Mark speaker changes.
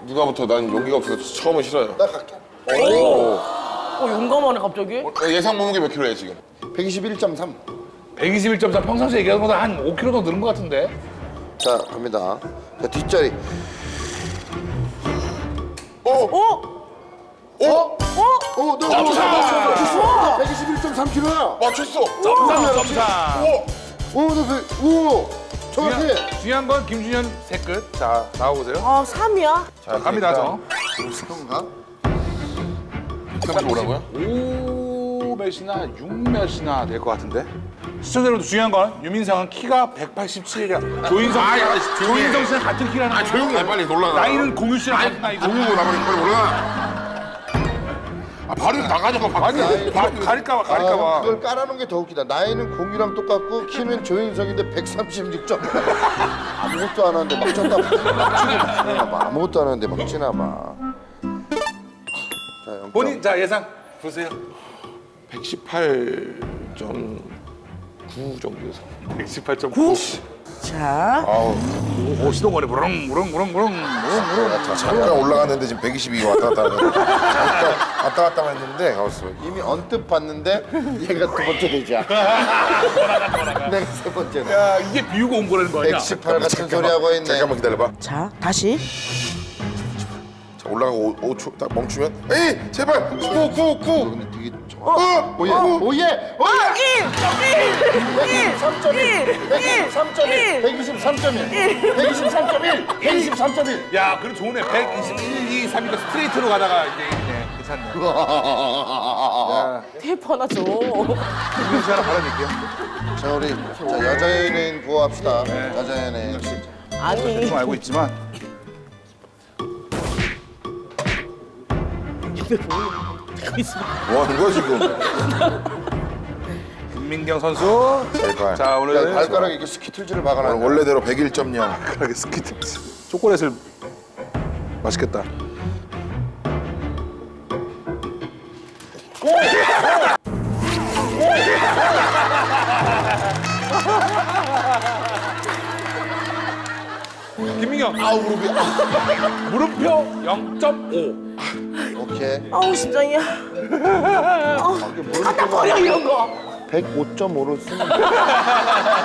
Speaker 1: 누가부터 난 용기가 없어서 처음은 싫어요.
Speaker 2: 나 갈게.
Speaker 3: 용감하네 갑자기.
Speaker 1: 예상 몸무게 몇 킬로예요 지금?
Speaker 2: 121.3.
Speaker 4: 121.4 평상시에 얘기하는 것보다 한 5kg 더 늘은 것 같은데?
Speaker 2: 자, 갑니다. 자, 뒷자리. 너 121.3kg야.
Speaker 1: 맞췄어.
Speaker 4: 점사.
Speaker 2: 오, 정확해.
Speaker 4: 중요한 건 김준현 새 끝. 자, 나와보세요.
Speaker 3: 아 3이야?
Speaker 4: 자, 갑니다, 저.
Speaker 2: 그런가?
Speaker 1: 135라고요?
Speaker 4: 5 몇이나 6 몇이나 될 것 같은데? 시청자들도 중요한 건 유민상은 키가 187이야. 조인성 씨랑 같은 키라는
Speaker 1: 아
Speaker 4: 거야.
Speaker 1: 조용히 해 빨리 놀라가.
Speaker 4: 나이는 공유 씨랑 같은 나이고.
Speaker 1: 공유고 나머지 빨리 올라가. 아 바로 나가자고
Speaker 4: 아니, 가릴까봐, 가릴까봐.
Speaker 2: 그걸 깔아놓은 게 더 웃기다. 나이는 공유랑 똑같고 키는 조인성인데 136점. 아무것도 안 하는데 막 쪘다. 막 찌나 봐. 아무것도 안 하는데 막 찌나 봐. 자, 0점.
Speaker 4: 본인, 자, 예상 보세요.
Speaker 1: 118.9 정도에서.
Speaker 4: 118.9.
Speaker 3: 자.
Speaker 4: 오, 시동거리 무릉무릉무릉무릉.
Speaker 1: 잠깐 올라갔는데 지금 122가 왔다 갔다 하네. 잠깐 왔다 갔다 했는데 가봤어.
Speaker 2: 이미 언뜻 봤는데 얘가 두 번째 되자. 내가 세 번째네.
Speaker 4: 야, 이게 비우고 온 거라는 거 아니야?
Speaker 2: 118 같은 소리 하고 있네.
Speaker 1: 잠깐만 기다려봐.
Speaker 3: 자 다시.
Speaker 1: 자 올라가고 5초 딱 멈추면. 에이 제발. 꾹.
Speaker 2: 근데 되게 오예. 123.1
Speaker 4: 야, 그럼 좋네. 121, 2, 3이니까 스트레이트로 가다가 이제 있네. 괜찮네. 야,
Speaker 3: 테이프 하나 줘.
Speaker 4: 김민 씨 하나 받아낼게요.
Speaker 2: 자, 우리 자, 여자 연예인 구호합시다. 여자 연예인.
Speaker 3: 아니.
Speaker 4: 대충 알고 있지만.
Speaker 1: 뭐 하는 거야 지금?
Speaker 4: 김민경 선수.
Speaker 1: 제발.
Speaker 4: 자,
Speaker 2: 야,
Speaker 4: 오늘
Speaker 2: 발가락에 이렇게 스키틀즈를 박아놨네.
Speaker 1: 원래대로 101.0.
Speaker 4: 발가락에 스키트. 초콜릿을 맛있겠다. 김민경.
Speaker 2: 아우 무릎이.
Speaker 4: 물음표 0.5.
Speaker 2: 오케이.
Speaker 3: 아우 심장이야. 갖다 버려 이런 거.
Speaker 2: 105.5로 쓰면 돼.